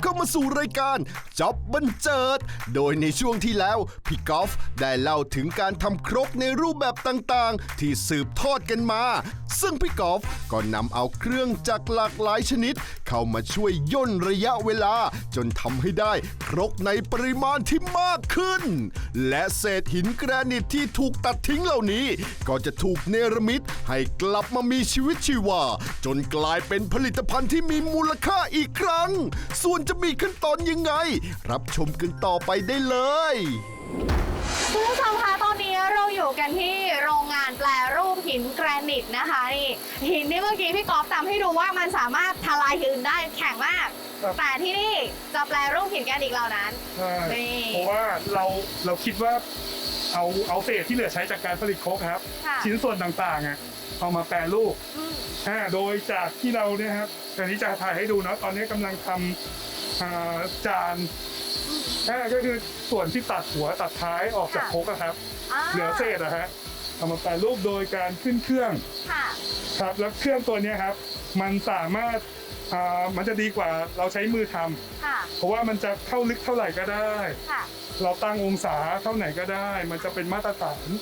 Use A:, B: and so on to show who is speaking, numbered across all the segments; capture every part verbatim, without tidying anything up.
A: เข้ามาสู่รายการจ็อบบันเจิดโดยในช่วงที่แล้วพี่กอล์ฟได้เล่าถึงการทำครกในรูปแบบต่างๆที่สืบทอดกันมาซึ่งพี่กอล์ฟก็นำเอาเครื่องจักรหลากหลายชนิดเข้ามาช่วยย่นระยะเวลาจนทำให้ได้ครกในปริมาณที่มากขึ้นและเศษหินแกรนิตที่ถูกตัดทิ้งเหล่านี้ก็จะถูกเนรมิตให้กลับมามีชีวิตชีวาจนกลายเป็นผลิตภัณฑ์ที่มีมูลค่าอีกครั้งส่วนจะมีขั้นตอนยังไงรับชมกันต่อไปได้เลย
B: คุณผู้ชมคะตอนนี้เราอยู่กันที่โรงงานแปรรูปหินแกรนิตนะคะนี่หินที่เมื่อกี้พี่กอล์ฟทำให้ดูว่ามันสามารถทลายหินได้แข็งมากแต่ที่นี่จะแปรรูปหินแกรนิตเหล่านั้น
C: เพราะว่าเราเราคิดว่าเอาเอาเศษที่เหลือใช้จากการผลิตโคกครับชิ้นส่วนต่างๆอ่ะเอามาแปรรูปอ่าโดยจากที่เราเนี่ยครับตอนนี้จะถ่ายให้ดูเนาะตอนนี้กำลังทำจานอ่าก็คือส่วนที่ตัดหัวตัดท้ายออกจากโคกครับเหลือเศษอะฮะเอามาแปรรูปโดยการขึ้นเครื่องครับแล้วเครื่องตัวนี้ครับมันสามารถอ่ามันจะดีกว่าเราใช้มือทำเพราะว่ามันจะเข้าลึกเท่าไหร่ก็ได้เราตั้งองศาเท่าไหนก็ได้มันจะเป็นมาตรฐาน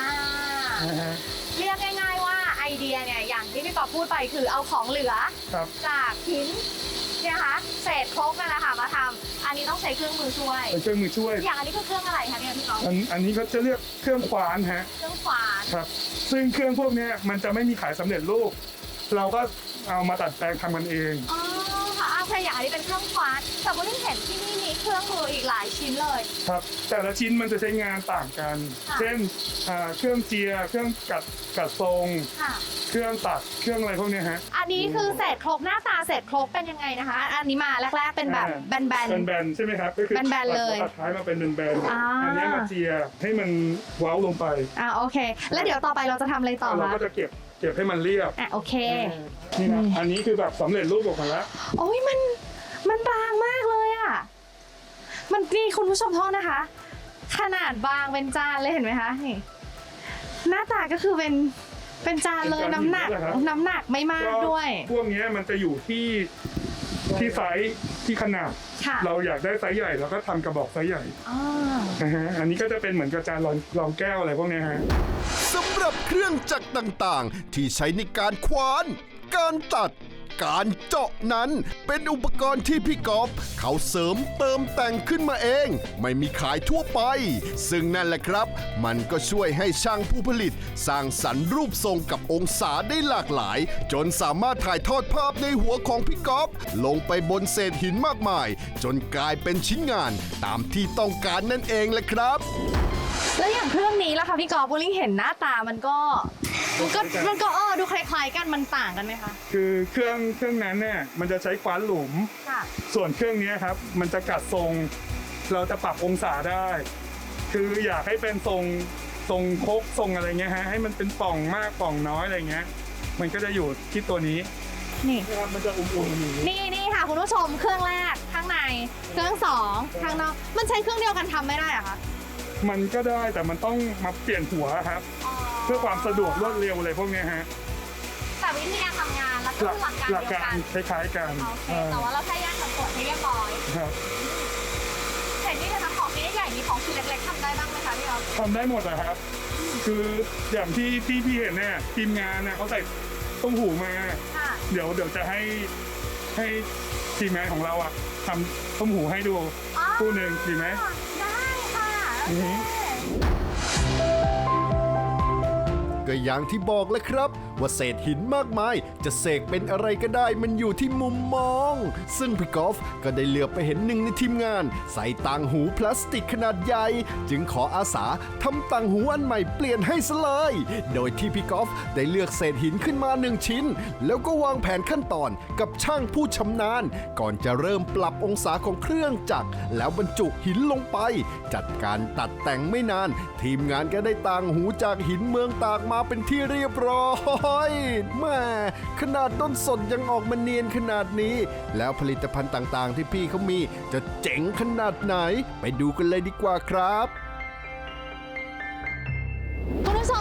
B: เรียกง่ายๆว่าไอเดียเนี่ยอย่างที่พี่กอล์ฟพูดไปคือเอาของเหลือจากหินเนี่ยคะเศษโคกนั่นแหละค่ะมาทำอันนี้ต้องใช้เครื่องมือช่วย
C: เครื่องมือช่วย
B: อย่างอันนี้คือเครื่องอะไรคะเนี่ยพี่กอล์ฟ
C: อันอันนี้เขาจะเรียกเครื่องขวานฮะ
B: เครื่องขวาน
C: ครับซึ่งเครื่องพวกนี้มันจะไม่มีขายสำเร็จรูปเราก็เอามาตัดแปลงทำกันเอง
B: อ๋อค่ะอาใช่อย่างอันนี้เป็นเครื่องขวานแต่ว่าที่เห็นที่นี่มีเครื่องมืออีกหลายชิ้นเลย
C: ครับแต่ละชิ้นมันจะใช้งานต่างกันเช่นเครื่องเจียเครื่องกัดกัดทรงเครื่องตัดเครื่องอะไรพวกนี้ฮะ
B: อันนี้คือเศษโครกหน้าตาเศษโครกเป็นยังไงนะคะอันนี้มาแรกๆเป็นแบบแบนๆ
C: แบนๆใช่ไหมครับก็คือ
B: แบนๆเลย
C: ตัดท้ายมาเป็นแบนๆอันนี้มาเจียให้มันเว้าลงไป
B: อ่าโอเคแล้วเดี๋ยวต่อไปเราจะทำอะไรต่อ
C: เราก็จะเก็บเก็บให้มันเรียบ
B: อ่ะโอเค
C: นี่นะอันนี้คือแบบสำเร็จรูปออกมาแล้ว
B: โอ้ยมันมันบางมากเลยอ่ะมันนี่คุณผู้ชมโทษนะคะขนาดบางเป็นจานเลยเห็นไหมคะนี่หน้าตาก็คือเป็นเป็นจานเลยน้ำหนักน้ำหนักไม่มากด้วย
C: พวกนี้มันจะอยู่ที่ที่ไซส์ที่ขนาดเราอยากได้ไซส์ใหญ่เราก็ทำกระบอกไซส์ใหญ่นะฮะอันนี้ก็จะเป็นเหมือนกระจานรองรองแก้วอะไรพวกนี้ฮะ
A: สำหรับเครื่องจักรต่างๆที่ใช้ในการคว้านการตัดการเจาะนั้นเป็นอุปกรณ์ที่พี่กอล์ฟเขาเสริมเติมแต่งขึ้นมาเองไม่มีขายทั่วไปซึ่งนั่นแหละครับมันก็ช่วยให้ช่างผู้ผลิตสร้างสรรค์รูปทรงกับองศาได้หลากหลายจนสามารถถ่ายทอดภาพในหัวของพี่กอล์ฟลงไปบนเศษหินมากมายจนกลายเป็นชิ้นงานตามที่ต้องการนั่นเองแหละครับ
B: แล้วอย่างเครื่องนี้ล่ะคะพี่กอล์ฟโบลิ่งเห็นหน้าตามันก็มันก็มันก็เออดูคล้ายๆกันมันต่างกันไหมคะ
C: คือเครื่องเครื่องนั้นเนี่ยมันจะใช้คว้านหลุมส่วนเครื่องนี้ครับมันจะกัดทรงเราจะปรับองศาได้คืออยากให้เป็นทรงทรงโคกทรงอะไรเงี้ยฮะให้มันเป็นป่องมากป่องน้อยอะไรเงี้ยมันก็จะอยู่ที่ตัวนี้
B: นี่
C: ครับมันจะอุ่นๆอยู่
B: นี่นี่ค่ะคุณผู้ชมเครื่องแรกข้างในเครื่องสองข้างนอกมันใช้เครื่องเดียวกันทำไม่ได้อะคะ
C: มันก็ได้แต่มันต้องมาเปลี่ยนหัวครับเพื่อความสะดวกรวดเร็วอะไรพวกนี้ฮะ
B: แต่วิธีการทำงานแล้วก็หลักการเดียวกัน
C: คล้ายๆกัน
B: โอเคแต่ว่าเราแค่แยกสัดส่วนให้เรียบร้อย
C: ครับ
B: เห็นที่จะทำของใหญ่ๆมีของชิ้นเล็กๆทำได้บ้างไหมคะพี่อ๊อฟ
C: ทำได้หมดอะครับคืออย่างที่ที่พี่เห็นเนี่ยทีมงานเนี่ยเขาใส่ต้มหูมาเดี๋ยวเดี๋ยวจะให้ให้ทีมงานของเราอะทำต้มหูให้ดูคู่หนึ่งดีไหม
B: ได้ค่ะ
A: ก็อย่างที่บอกเลยครับว่าเศษหินมากมายจะเสกเป็นอะไรก็ได้มันอยู่ที่มุมมองซึ่งพี่กอล์ฟก็ได้เหลือบไปเห็นหนึ่งในทีมงานใส่ต่างหูพลาสติกขนาดใหญ่จึงขออาสาทำต่างหูอันใหม่เปลี่ยนให้ซะเลยโดยที่พี่กอล์ฟได้เลือกเศษหินขึ้นมาหนึ่งชิ้นแล้วก็วางแผนขั้นตอนกับช่างผู้ชำนาญก่อนจะเริ่มปรับองศาของเครื่องจักรแล้วบรรจุหินลงไปจัดการตัดแต่งไม่นานทีมงานก็ได้ต่างหูจากหินเมืองตากมาเป็นที่เรียบร้อยแม่ขนาดต้นสดยังออกมาเนียนขนาดนี้แล้วผลิตภัณฑ์ต่างๆที่พี่เขามีจะเจ๋งขนาดไหนไปดูกันเลยดีกว่าครับ
B: คุณผู้ชมคะเสร็จ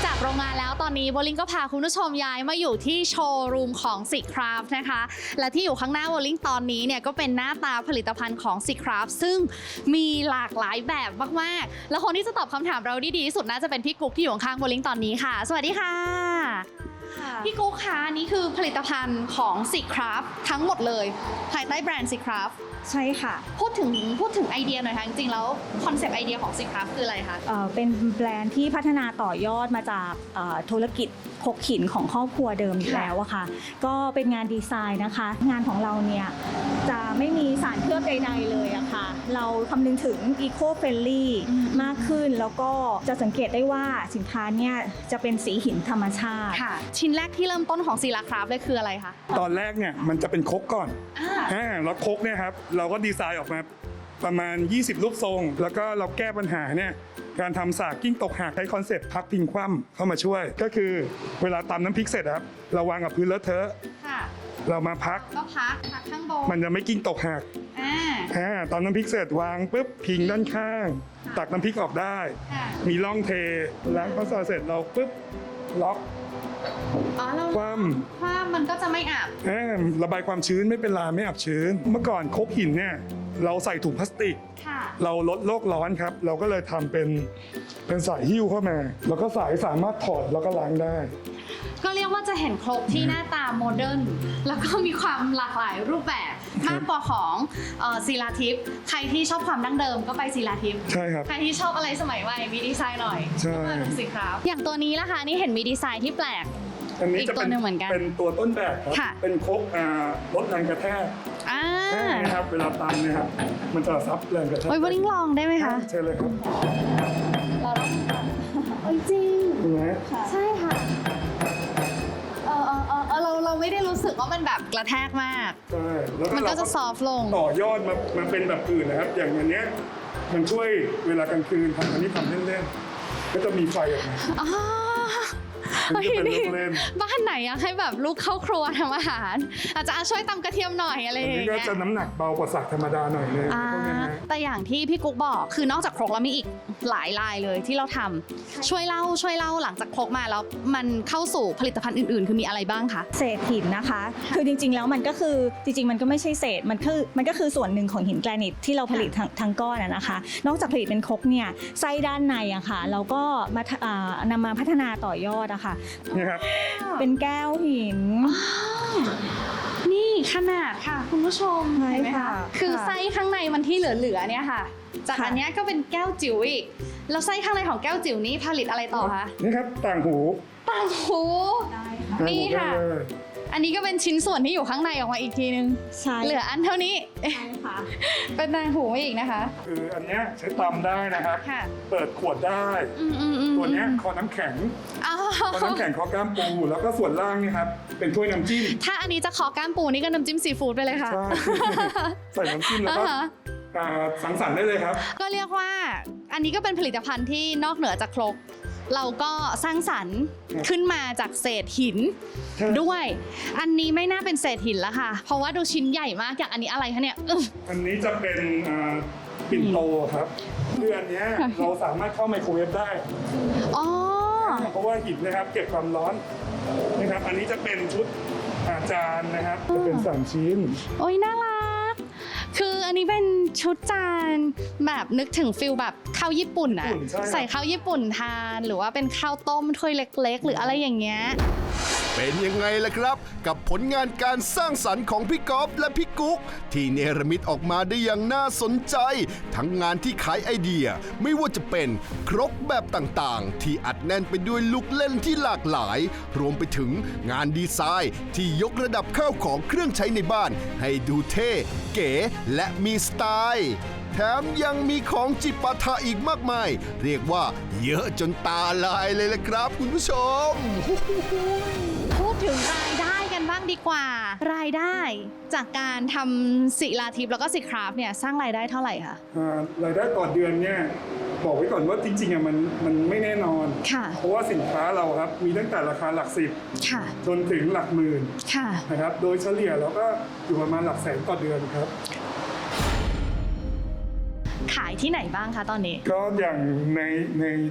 B: จากโรงงานแล้วตอนนี้โบลิ่งก็พาคุณผู้ชมย้ายมาอยู่ที่โชว์รูมของสิคราฟนะคะและที่อยู่ข้างหน้าโบลิ่งตอนนี้เนี่ยก็เป็นหน้าตาผลิตภัณฑ์ของสิคราฟซึ่งมีหลากหลายแบบมากๆแล้วคนที่จะตอบคำถามเราได้ดีที่สุดน่าจะเป็นพี่กุ๊กที่อยู่ข้างโบลิ่งตอนนี้ค่ะสวัสดีค่ะพี่กุ๊กคะนี่คือผลิตภัณฑ์ของสิคราฟทั้งหมดเลยภายใต้แบรนด์สิคราฟ
D: ใช่ค่ะ
B: พูดถึงพูดถึงไอเดียหน่อยค่ะจริงๆแล้วคอนเซปต์ไอเดียของสิคราฟคืออะไรคะ
D: เอ่อเป็นแบรนด์ที่พัฒนาต่อยอดมาจากเอ่อธุรกิจคกหินของครอบครัวเดิมอยู่แล้วอะค่ะ ก็เป็นงานดีไซน์นะคะ งานของเราเนี่ยจะไม่มีสารเคลือบใดๆเลยอะค่ะ เราคำนึงถึง Eco Friendly มากขึ้น แล้วก็จะสังเกตได้ว่าสินค้าเนี่ยจะเป็นสีหินธรรมชาติ
B: ค่ะชิ้นแรกที่เริ่มต้นของศิลาคราฟเลยคืออะไรคะ
C: ตอนแรกเนี่ยมันจะเป็นครกก่อน
B: อ่า
C: อ่าแล้วครกเนี่ยครับเราก็ดีไซน์ออกมาประมาณยี่สิบรูปทรง แล้วก็เราแก้ปัญหาเนี่ยการทำสากกิ้งตกหักใช้คอนเซ็ปต์พักพิงคว่ำเข้ามาช่วย ก็คือเวลาตำน้ำพริกเสร็จครับเราวางกับพื้นเลอะเทอะ
B: ค่ะ
C: เรามาพัก
B: ก็พักพักข้างบน
C: มันจะไม่กิ้งตกหัก
B: อ่า
C: อ่าตอนน้ำพริกเสร็จวางปุ๊บพิงด้านข้าง ตักน้ำพริกออกได้
B: ค่ะ
C: มีร่องเทล้างข้าวซอยเสร็จเราปุ๊บล็อก
B: อ๋อเรา
C: คว่ำ
B: คว่ำมันก็จะไม่อับ
C: อ่าระบายความชื้นไม่เป็นลาไม่อับชื้น เมื่อก่อนครกหินเนี่ยเราใส่ถุงพลาสติก
B: ค่ะ
C: เราลดโลกร้อนครับ เราก็เลยทำเป็นเป็นสายหิ้วเข้ามา แล้วก็สายสามารถถอดแล้วก็ล้างได้
B: ก็เรียกว่าจะเห็นครบที่หน้าตาโมเดิร์นแล้วก็มีความหลากหลายรูปแบบมากกว่าของเอ่อศิลาทิพย์ใครที่ชอบความดั้งเดิมก็ไปศิลาทิพย์
C: ใช่ครับ
B: ใครที่ชอบอะไรสมัยใหม่มีดีไซน์หน่อย
C: ใช่
B: ก็มาดูสิครับอย่างตัวนี้ล่ะคะนี่เห็นมีดีไซน์ที่แปลก
C: อันนี้
B: อีก
C: จะ
B: ตัว
C: เป็น
B: หนึ่งเหมือนกัน
C: เป็นตัวต้นแบบครับ
B: ค่ะ
C: เป็นครกอ่าลดแรงกระแทก
B: อ่า
C: นะครับเวลาตำเนะครับมันจะซับแรงกระแทก
B: โอ้ยวันนี้ลองได้ไหมคะ
C: เชิญเลยครับ
B: เราต้องเอ้ยจริง
C: เห็นไหม
B: ใช่ค่ะเออเออเออเออเราเราไม่ได้รู้สึกว่ามันแบบกระแทกมาก
C: ใช่แล้ว
B: มันก็
C: เรา
B: จะซอฟต์ลง
C: ต่อยอดมามาเป็นแบบอื่นนะครับ อย่างอันเนี้ยมันช่วยเวลากลางคืนทำอันนี้ทำเล่นๆก็จะมีไฟออกมา
B: อ๋อ
C: มันจะเป็นลูกเล่น
B: บ้านไหนอยากให้แบบลูกเข้าครัวทำอาหาร อาจจะช่วยตำกระเทียมหน่อยอะไรอ
C: อัน
B: ย่าง
C: นี้ก็
B: เงี้ย
C: จะน้ำหนักเบากว่าสักธรรมดาหน่อยเลย
B: อ่า
C: พวกนี้นะ
B: แต่อย่างที่พี่กุ๊กบอกคือนอกจากครกแล้วมีอีกหลายลายเลยที่เราทำช่วยเล่าช่วยเล่าหลังจากครกมาแล้วมันเข้าสู่ผลิตภัณฑ์อื่นๆ คือมีอะไรบ้างคะ
D: เศษหินนะคะ คือจริงๆ แล้วมันก็คือจริงๆ มันก็ไม่ใช่เศษ มันคือมันก็คือส่วนหนึ่งของหินแกรนิตที่เราผลิตทั้งทั้งก้อนอะนะคะ นอกจากผลิตเป็นครกเนี่ยไส้ด้านในอะค่ะ เราก็มาอ่านำมาพัฒนาต่อยอดอะค่ะ
C: นี่ครับ
D: เป็นแก้วหิน
B: นี่ขนาดค่ะคุณผู้ชม
D: ใช่
B: เห็นไหม
D: ค่ะ
B: คะคือ
D: ค่ะ
B: ไส้ข้างในมันที่เหลือๆเนี่ยค่ะ จาก
D: ค่ะ
B: อันเนี้ยก็เป็นแก้วจิ๋วอีกแล้วไส้ข้างในของแก้วจิ๋วนี้ผลิตอะไรต่อคะ
C: นี่ครับต่างหู
B: ต่างหู
D: ได้ค่ะ
B: นี่ค่ะ
C: ต่างหูได้เลย
B: อันนี้ก็เป็นชิ้นส่วนที่อยู่ข้างในออกมาอีกทีนึง
D: ใช่
B: เหลืออันเท่านี้
D: ใช่ค่ะ
B: เป็นต่างหูมาอีกนะคะ
C: คืออันเนี้ยใช้ตำได้นะครับ
B: ค่ะ
C: เปิดขวดได้
B: อืมอืมอืม
C: ตัวเนี้ยคอน้ำแข็ง
B: อ๋อ
C: คอน้ำแข็งคอกล้ามปู แล้วก็ส่วนล่างนี่ครับเป็นถ้วยน้ำจิ้ม
B: ถ้าอันนี้จะขอก้ามปูนี่ก็น้ำจิ้มซีฟู้ดไปเลยค่ะ
C: ใช่ ใส่น้ำจิ้มแล้วก็
B: อ่าฮะ
C: อ่าสังสรรค์ได้เลยครับ
B: ก็เรียกว่าอันนี้ก็เป็นผลิตภัณฑ์ที่นอกเหนือจากครก เราก็สร้างสรรค์ขึ้นมาจากเศษหิน
C: ใช่
B: ด้วย อันนี้ไม่น่าเป็นเศษหินแล้วค่ะ เพราะว่าดูชิ้นใหญ่มากอย่างอันนี้อะไรคะเนี่ยอึ๊ะ
C: อันนี้จะเป็นอ่าปิ่นโตครับคืออันเนี้ยเราสามารถเข้าไมโครเวฟได้
B: อ๋อ
C: เพราะว่าหินนะครับเก็บความร้อนนะครับ อันนี้จะเป็นชุดอาจารย์นะครับ จะเป็นสามชิ้น
B: โอ้ยน่ารัก คืออันนี้เป็นชุดจานแบบนึกถึงฟิลแบบข้าวญี่ปุ่นอะ
C: ญี่ปุ่นใช่ครับ
B: ใส่ข้าวญี่ปุ่นทาน หรือว่าเป็นข้าวต้มถ้วยเล็กๆ หรืออะไรอย่างเงี้ย
A: เป็นยังไงล่ะครับ กับผลงานการสร้างสรรค์ของพี่ก๊อฟและพี่กุ๊กที่เนรมิตออกมาได้อย่างน่าสนใจ ทั้งงานที่ขายไอเดีย ไม่ว่าจะเป็นครกแบบต่างๆ ที่อัดแน่นไปด้วยลูกเล่นที่หลากหลาย รวมไปถึงงานดีไซน์ที่ยกระดับข้าวของเครื่องใช้ในบ้าน ให้ดูเท่ เก๋ และมีสไตล์ แถมยังมีของจิปาถะอีกมากมาย เรียกว่าเยอะจนตาลายเลยละครับคุณผู้ชม
B: พูดถึงรายได้กันบ้างดีกว่า รายได้จากการทำศิลาทิพย์แล้วก็ศิคราฟเนี่ยสร้างรายได้เท่าไหร่คะ
C: อ่ารายได้ต่อเดือนเนี่ยบอกไว้ก่อนว่าจริงๆอ่ะมันมันไม่แน่นอน
B: ค่ะ
C: เพราะว่าสินค้าเราครับมีตั้งแต่ราคาหลักสิบ
B: ค่ะ
C: จนถึงหลักหมื่น
B: ค่ะ
C: นะครับ โดยเฉลี่ยเราก็อยู่ประมาณหลักแสนต่อเดือนครับ
B: ขายที่ไหนบ้างคะตอนนี้
C: ก็อย่างในใน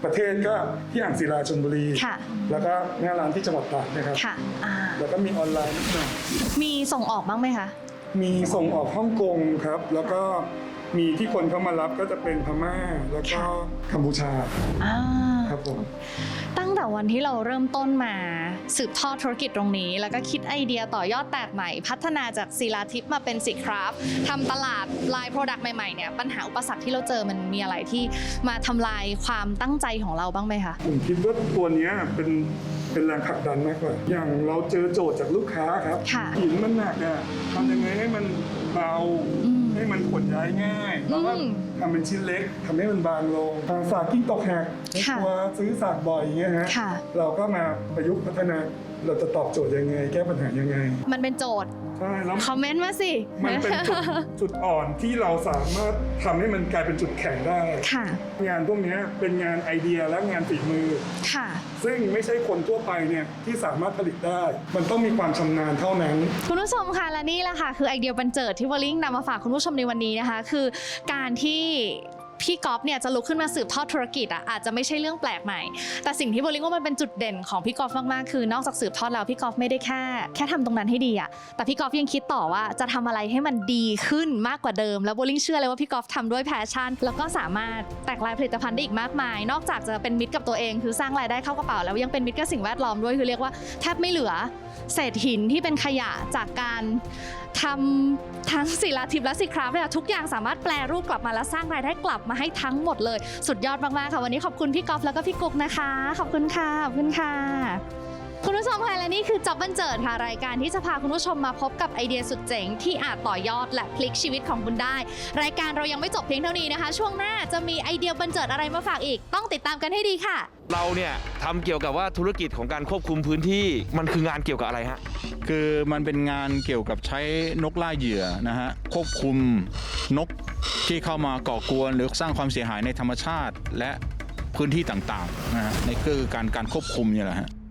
C: ประเทศก็ที่อ่างศิลาชลบุรี
B: ค่ะ
C: แล้วก็หน้าร้านที่จังหวัดตราดนะครับ
B: ค่ะอ่า
C: แล้วก็มีออนไลน์นิดหน่อย
B: มีส่งออกบ้างไหมคะ
C: มีส่งออกฮ่องกงครับ แล้วก็มีที่คนเข้ามารับก็จะเป็นพม่าแล้วก็กัมพูชา
B: อ่า
C: ครับผม
B: ตั้งแต่วันที่เราเริ่มต้นมาสืบทอดธุรกิจตรงนี้ แล้วก็คิดไอเดียต่อยอดแตกใหม่ พัฒนาจากศิลาทิพย์มาเป็นสิคราฟทำตลาดลายโปรดักต์ใหม่ๆเนี่ยปัญหาอุปสรรคที่เราเจอมันมีอะไรที่มาทำลายความตั้งใจของเราบ้างไหมคะ
C: ผมคิดว่าตัวเนี้ยเป็นเป็นแรงผลักดันมากกว่า อย่างเราเจอโจทย์จากลูกค้าครับ
B: ค่ะ
C: หินมันหนักอะทำยังไงให้มันเบา
B: อืม
C: ให้มันขนย้ายง่ายแล้วก็
B: อืม
C: ทำเป็นชิ้นเล็กทำให้มันบางลงทางสากกิ้งตกแหก
B: ค่ะ
C: ตัวซื้อสากบ่อยอย่างเงี้ยฮะ
B: ค่ะ
C: เราก็มาประยุกต์พัฒนาเราจะตอบโจทย์ยังไง แก้ปัญหายังไง
B: มันเป็นโจทย์
C: ใช่แล้ว
B: คอมเมนต์มาสิ
C: มันเป็นจุดจุดอ่อนที่เราสามารถทำให้มันกลายเป็นจุดแข็งได้
B: ค่ะ
C: งานพวกเนี้ยเป็นงานไอเดียและงานฝีมือ
B: ค่ะ
C: ซึ่งไม่ใช่คนทั่วไปเนี่ยที่สามารถผลิตได้ มันต้องมีความชำนาญเท่านั้น
B: คุณผู้ชมค่ะและนี่แหละค่ะคือไอเดียบันเจิดที่วอลลิงนำมาฝากคุณผู้ชมในวันนี้นะคะ คือการที่พี่ก๊อฟเนี่ยจะลุกขึ้นมาสืบทอดธุรกิจอ่ะอาจจะไม่ใช่เรื่องแปลกใหม่ แต่สิ่งที่วอลลิงว่ามันเป็นจุดเด่นของพี่ก๊อฟมากๆคือนอกจากสืบทอดแล้วพี่ก๊อฟไม่ได้แค่แค่ทำตรงนั้นให้ดีอ่ะแต่พี่ก๊อฟยังคิดต่อว่าจะทำอะไรให้มันดีขึ้นมากกว่าเดิมแล้ววอลลิงเชื่อเลยว่าพี่ก๊อฟทำด้วยแพชชั่นแล้วก็สามารถแตกลายผลิตภัณฑ์ได้อีกมากมาย นอกจากจะเป็นมิตรกับตัวเองคือสร้างรายได้เข้ากระเป๋าแล้วยังเป็นมิตรกับสิ่งแวดล้อมด้วยคือเรียกว่าแทบไม่เหลือเศษหินที่เป็นขยะจากการทำทั้งศิลาทิพย์และสิคราฟเนี่ยทุกอย่างสามารถแปลรูปกลับมาและสร้างรายได้กลับมาให้ทั้งหมดเลยสุดยอดมากๆค่ะวันนี้ขอบคุณพี่ก๊อฟแล้วก็พี่กุ๊กนะคะขอบคุณค่ะขอบคุณค่ะคุณผู้ชมค่ะและนี่คือจ็อบบันเจิดค่ะรายการที่จะพาคุณผู้ชมมาพบกับไอเดียสุดเจ๋งที่อาจต่อยอดและพลิกชีวิตของคุณได้รายการเรายังไม่จบเพียงเท่านี้นะคะช่วงหน้าจะมีไอเดียบันเจิดอะไรมาฝากอีกต้องติดตามกันให้ดีค่ะ
E: เราเนี่ยทำเกี่ยวกับว่าธุรกิจของการควบคุมพื้นที่มันคืองานเกี่ยวกับอะไรฮะ
F: คือมันเป็นงานเกี่ยวกับใช้นกล่าเหยื่อนะฮะควบคุมนกที่เข้ามาก่อกวนหรือสร้างความเสียหายในธรรมชาติและพื้นที่ต่างๆนะฮะในคือการการควบคุมเนี่ยแหละฮะ